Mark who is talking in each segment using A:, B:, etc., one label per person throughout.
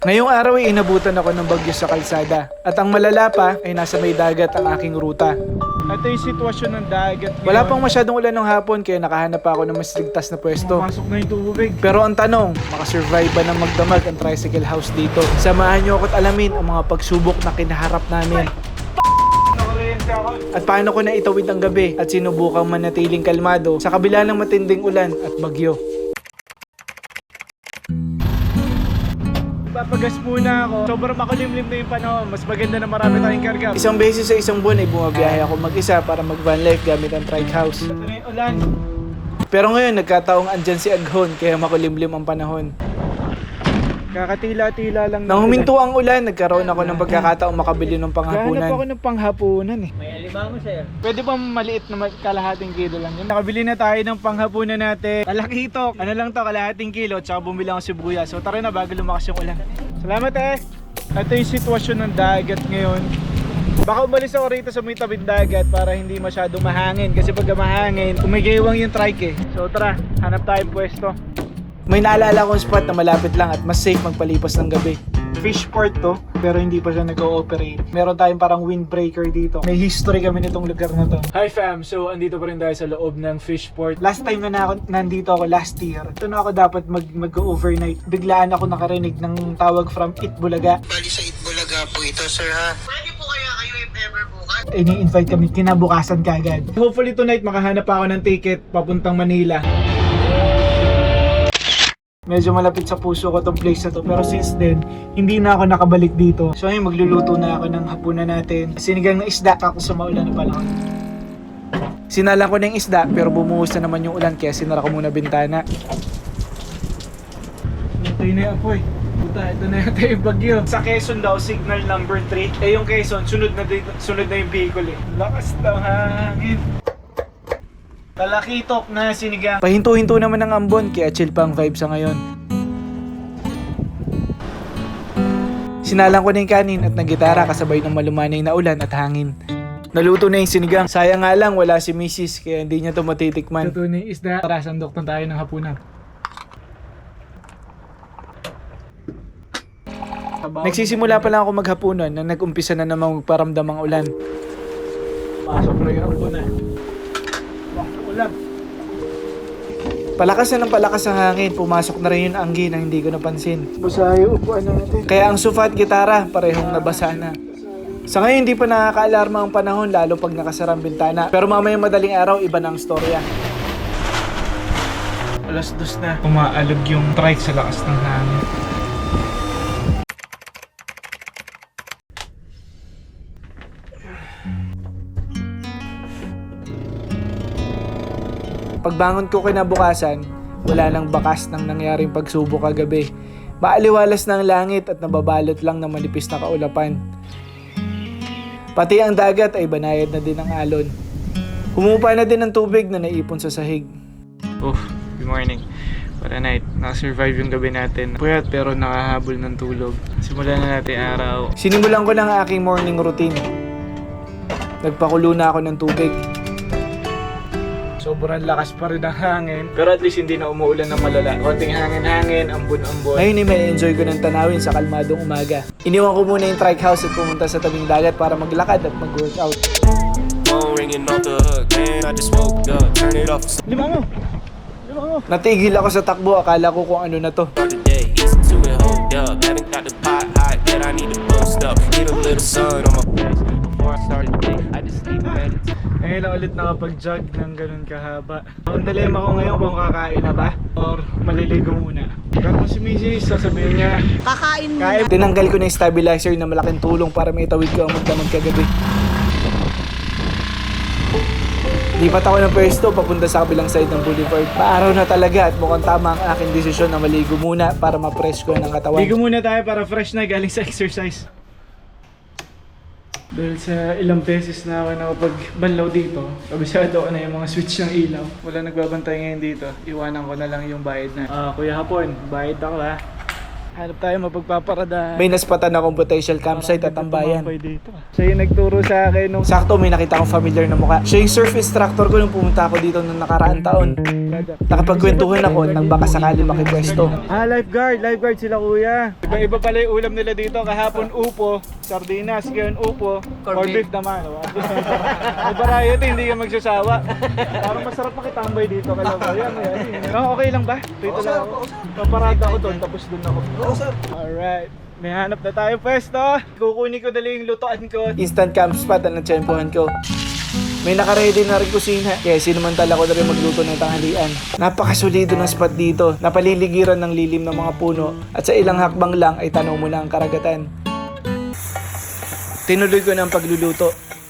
A: Ngayong araw ay inabutan ako ng bagyo sa kalsada. At ang malala pa ay nasa may dagat ang aking ruta. Ito yung sitwasyon ng dagat ngayon. Wala pang masyadong ulan ng hapon kaya nakahanap pa ako ng mas ligtas na pwesto. Pumasok na yung tubig. Pero ang tanong, makasurvive ba ng magdamag ang tricycle house dito? Samahan niyo ako't alamin ang mga pagsubok na kinaharap namin. At paano ko na itawid ang gabi at sinubukang manatiling kalmado sa kabila ng matinding ulan at bagyo. Papagas muna ako. Sobrang makulimlim na yung panahon. Mas maganda na marami tayong karga. Isang beses sa isang buwan ay bumabiyahe ako mag-isa para mag-van life gamit ang trike house. Ito na yung ulan. Pero ngayon nagkataong andyan si Aghon kaya makulimlim ang panahon. Kakatila-tila lang. Nang huminto ang ulan, nagkaroon ako ng pagkakataong makabili ng panghapunan. Gahanap ako ng panghapunan eh.
B: May alimango sir.
A: Pwede ba maliit na kalahating kilo lang yun? Nakabili na tayo ng panghapunan natin. Talakitok. Ano lang to, kalahating kilo. Tsaka bumili ako sibuyas. So tara na bago lumakas yung ulan. Salamat eh. Ito yung sitwasyon ng dagat ngayon. Baka umalis ako rito sa may tabing dagat para hindi masyadong mahangin. Kasi pag mahangin, umigaywang yung trike eh. So tara, hanap tayong pwesto. May naalala akong spot na malapit lang at mas safe magpalipas ng gabi. Fishport to, pero hindi pa siya nag-ooperate. Meron tayong parang windbreaker dito. May history kami nitong lugar na to. Hi fam! So, andito pa rin tayo sa loob ng Fishport. Last time na nandito ako last year. Ito na ako dapat mag-overnight. Biglaan ako nakarinig ng tawag from Itbulaga.
C: Bali sa Itbulaga po ito, sir ha. Pwede po kaya kayo if ever bukas?
A: Ini-invite kami kinabukasan kagad. Hopefully tonight makahanap ako ng ticket papuntang Manila. Medyo malapit sa puso ko tong place na to. Pero since then, hindi na ako nakabalik dito. So ngayon, magluluto na ako ng hapunan natin. Sinigang na isda, ako sa maulan na pala. Sinala ko na yung isda, pero bumuhos na naman yung ulan, kaya sinara ko muna bintana. Ito na yung apoy. Puta, ito na yung bagyo. Sa Quezon daw, signal number 3. Eh yung Quezon, sunod na yung vehicle eh. Lakas ng hangin. Talakitok na sinigang. Pahinto-hinto naman ng ambon kaya chill pa ang vibe sa ngayon. Sinalang ko na yung kanin at naggitara kasabay ng malumanay na ulan at hangin. Naluto na yung sinigang. Sayang nga lang wala si Mrs. kaya hindi niya ito matitikman. Luto na yung isda. Tara, sandok na tayo ng hapunan. Nagsisimula pa lang ako maghapunan nang nag-umpisa na namang magparamdam ang ulan. Pasok na yung hapunan. Palakas na ng palakas ang hangin, pumasok na rin yung anggi na hindi ko napansin. Basayo, upuan natin. Kaya ang sofa at gitara, parehong nabasa na. Sa ngayon, hindi pa nakaka-alarma ang panahon, lalo pag nakasara ang bintana. Pero mamayang madaling araw, iba na ang storya. Alas 2 na, umaalog yung trike sa lakas ng hangin. Pagbangon ko kinabukasan, wala nang bakas ng nangyaring pagsubok kagabi. Maaliwalas na ang langit at nababalot lang ng manipis na kaulapan. Pati ang dagat ay banayad na din ang alon. Humupa na din ang tubig na naipon sa sahig. Good morning. What a night. Nakasurvive yung gabi natin. Puyat pero nakahabol ng tulog. Simulan na natin araw. Sinimulan ko na ang aking morning routine. Nagpakulo na ako ng tubig. Sobrang lakas pa rin ang hangin. Pero at least hindi na umuulan ng malala. Konting hangin-hangin, ambon-ambon. Ngayon ay may enjoy ko ng tanawin sa kalmadong umaga. Iniwan ko muna yung trike house at pumunta sa tabing dagat para maglakad at mag-workout. Lima mo! Natigil ako sa takbo. Akala ko kung ano na to. Ngayon lang ulit nakapag-jog ng ganun kahaba. Ang dilema ko ngayon kung kakain na ba or maliligo muna. Pero si Mrs. sasabihin niya
B: Kakain muna.
A: Tinanggal ko na yung stabilizer na malaking tulong para may tawid ko ang magdamag kagabi. Lipat ako ng pwesto papunta sa kabilang side ng boulevard. Maaraw na talaga at mukhang tama ang aking desisyon na maligo muna para ma-fresh ko ng katawan. Ligo muna tayo para fresh na galing sa exercise. Dahil sa ilang beses na ako nakapagbanlaw dito, kabisado ko na yung mga switch ng ilaw. Wala nagbabantay ngayon dito. Iwanan ko na lang yung bayad na. Kuya Hapon, bayad ako ha. Hanap tayo mapagpaparadahan. May naspatan akong potential campsite at tambayan. Dito. Siya yung nagturo sa akin nung... Sakto, may nakita akong familiar na mukha. Siya yung surf instructor ko nung pumunta ako dito nung nakaraang taon. Nakapagkwentuhan ako nang baka sakali makipwesto. Lifeguard sila kuya. Iba pala yung ulam nila dito. Kahapon upo, sardinas, ngayon upo, corned beef naman. May variety, hindi ka magsasawa. Parang masarap makitambay dito. Kaya okay lang ba? Dito lang ako. Paparada ako doon, tapos doon ako. Alright. May hanap na tayo pwesto. Kukunin ko dali yung lutoan ko. Instant camp spot ang natsyempohan ko. May nakaready na rin kusina. Kaya sinumantala ko na rin magluto ng tanghalian. Napakasulido ng spot dito. Napaliligiran ng lilim ng mga puno. At sa ilang hakbang lang ay tanaw mo na ang karagatan. Tinuloy ko na ang pagluluto.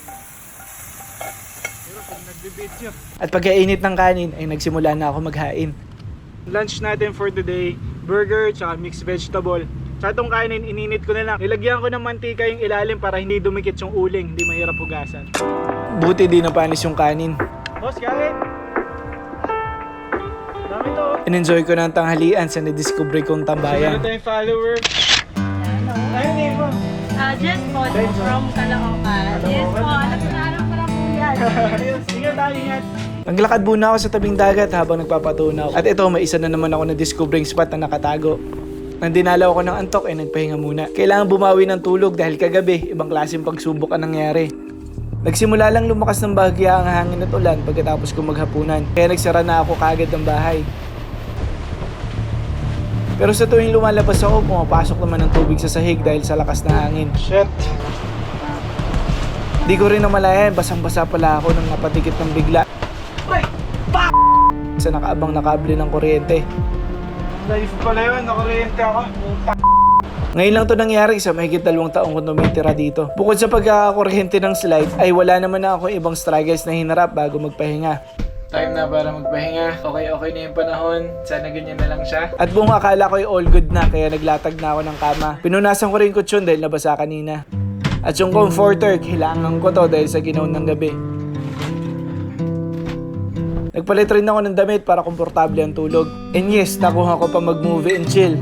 A: At pagkainit ng kanin ay nagsimula na ako maghain. Lunch natin for today, burger tsaka mixed vegetable. Sa itong kanin, ininit ko na lang. Nilagyan ko ng mantika yung ilalim para hindi dumikit yung uling, hindi mahirap hugasan. Buti di napanis yung kanin. Boss, kain! Dami to. In-enjoy ko na ang tanghalian sa nadiscover kong tambayan. Sino tayong follower? Ayun, name mo?
B: Jess po, from Caloocan. Yes po, alam ko na po yan.
A: Ingat tayo, ingat. Naglakad muna ako sa tabing dagat habang nagpapatunaw. At ito, may isa na naman ako na discovering spot na nakatago. Nang dinalaw ako ng antok ay nagpahinga muna. Kailangan bumawi ng tulog dahil kagabi, ibang klaseng pagsubok ang nangyari. Nagsimula lang lumakas ng bahagya ang hangin at ulan pagkatapos ko maghapunan. Kaya nagsara na ako kaagad ng bahay. Pero sa tuwing lumalabas ako, pumapasok naman ng tubig sa sahig dahil sa lakas ng hangin. Shit! Di ko rin namalayan, basang-basa pala ako nang napatikit ng bigla. Sa nakaabang na kable ng kuryente. Life pala yun, nakuryente ako. Ngayon lang to nangyari sa mahigit 2 taong ko tumitira dito. Bukod sa pagkakakuryente ng slide, ay wala naman na ako ibang struggles na hinarap bago magpahinga. Time na para magpahinga. Okay na yung panahon. Sana ganyan na lang siya. At buong akala ko ay all good na, kaya naglatag na ako ng kama. Pinunasan ko rin kutsyon dahil nabasa kanina. At yung comforter, kailangan ko to dahil sa ginaw ng gabi. Nagpalit rin ako ng damit para komportable ang tulog. And yes, nakuha ko pa mag-movie and chill.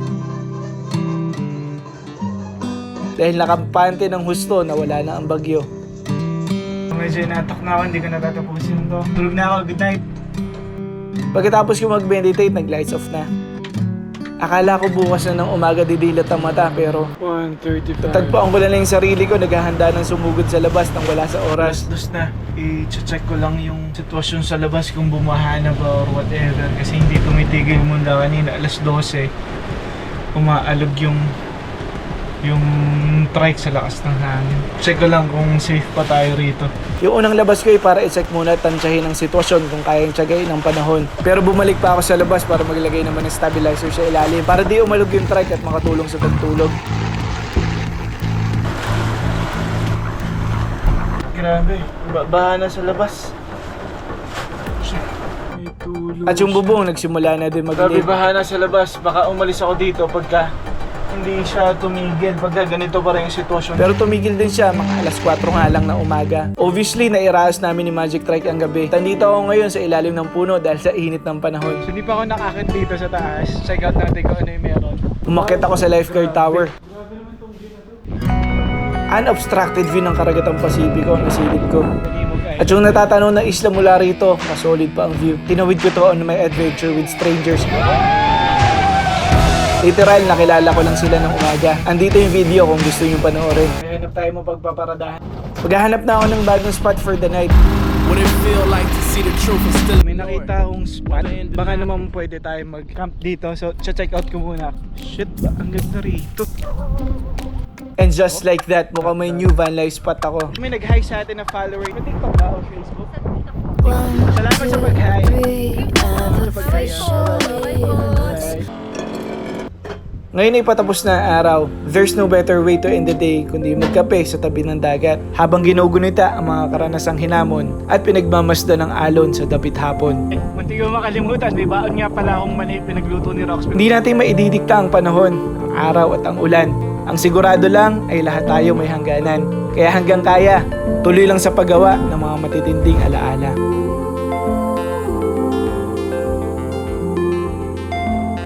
A: Dahil nakampante ng husto na wala na ang bagyo. Medyo inatok na ako, hindi ko natatapusin to. Tulog na ako, good night. Pagkatapos ko mag-meditate, nag-lights off na. Akala ko bukas na ng umaga didilat ang mata pero 1:35. Tatagpuan ko lang yung sarili ko, naghahanda ng sumugod sa labas nang wala sa oras. Dos na, i-check ko lang yung sitwasyon sa labas kung bumaha na ba or whatever kasi hindi tumitigil muna kanina, alas 12. Umaalog yung trike sa lakas ng hangin. Check ko lang kung safe pa tayo rito. Yung unang labas ko ay para i-check muna at tansyahin ang sitwasyon kung kayang tiyagain ng panahon. Pero bumalik pa ako sa labas para maglagay naman ng stabilizer sa ilalim para di umalog yung trike at makatulong sa pagtulog. Grabe, baha na sa labas. At yung bubong nagsimula na din mag-live. Grabe, baha na sa labas. Baka umalis ako dito pagka hindi siya tumigil pagka ganito pa rin yung sitwasyon. Pero tumigil din siya mga alas 4 nga lang na umaga. Obviously, nairaos namin ni Magic Trike ang gabi. Tandito ako ngayon sa ilalim ng puno dahil sa init ng panahon. So, hindi pa ako nakakit dito sa taas. Check out natin kung ano yung meron. Umakyat ako sa lifeguard tower. Unobstructed view ng karagatang Pasipiko ang nasilip ko. At yung natatanong na isla mula rito, masolid pa ang view. Tinawid ko to on my adventure with strangers. Literal, nakilala ko lang sila ng umaga. Andito yung video kung gusto nyo panoorin. Hanap tayo mo pagpaparadahan. Maghahanap na ako ng bagong spot for the night. May nakita akong spot. Baka naman pwede tayo mag-camp dito. So, check out ko muna. Shit ba? Ang ganda rito. And just like that, mukhang may new van life spot ako. May nag-hi sa atin na follower. May TikTok ba o Facebook? Salamat sa pag-hi. Salamat sa pag-hi. Ngayon ay patapos na ang araw. There's no better way to end the day kundi magkape sa tabi ng dagat habang ginugunita ang mga karanasang hinamon at pinagmamasdan ng alon sa dapit hapon. Munti ko makalimutan, may baon nga pala akong mani pinagluto ni Rox. Hindi natin maididikta ang panahon, ang araw at ang ulan. Ang sigurado lang ay lahat tayo may hangganan. Kaya hanggang kaya, tuloy lang sa paggawa ng mga matitinding alaala.